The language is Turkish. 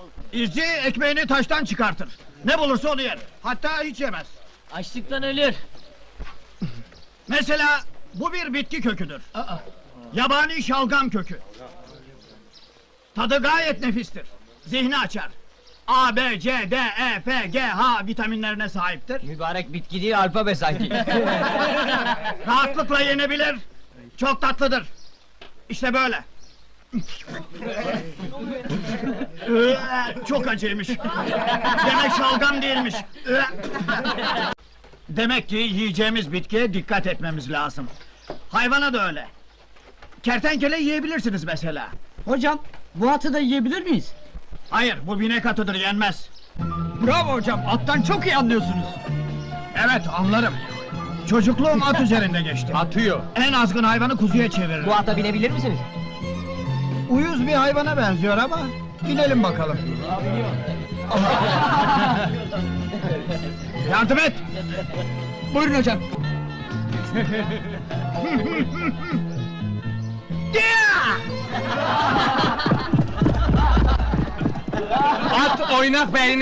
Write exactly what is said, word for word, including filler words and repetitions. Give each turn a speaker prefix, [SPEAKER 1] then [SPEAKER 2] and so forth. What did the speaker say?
[SPEAKER 1] İzci ekmeğini taştan çıkartır. Ne bulursa onu yer. Hatta hiç yemez.
[SPEAKER 2] Açlıktan ölür.
[SPEAKER 1] Mesela bu bir bitki köküdür. Yabani şalgam kökü. Tadı gayet nefistir. Zihni açar. A, B, C, D, E, F, G, H vitaminlerine sahiptir.
[SPEAKER 2] Mübarek bitki değil, alfabe sanki.
[SPEAKER 1] Rahatlıkla yenebilir. Çok tatlıdır. İşte böyle. Çok acıymış. Demek şalgam değilmiş. Demek ki yiyeceğimiz bitkiye dikkat etmemiz lazım. Hayvana da öyle. Kertenkele yiyebilirsiniz mesela.
[SPEAKER 2] Hocam, bu atı da yiyebilir miyiz?
[SPEAKER 1] Hayır, bu binek atıdır, yenmez.
[SPEAKER 2] Bravo hocam, attan çok iyi anlıyorsunuz.
[SPEAKER 1] Evet, anlarım. Çocukluğum at üzerinde geçti.
[SPEAKER 2] Atıyor.
[SPEAKER 1] En azgın hayvanı kuzuya çeviririm.
[SPEAKER 2] Bu ata binebilir misiniz?
[SPEAKER 1] Uyuz bir hayvana benziyor ama binelim bakalım. Yardım et!
[SPEAKER 2] Buyurun hocam.
[SPEAKER 1] At oynak beynine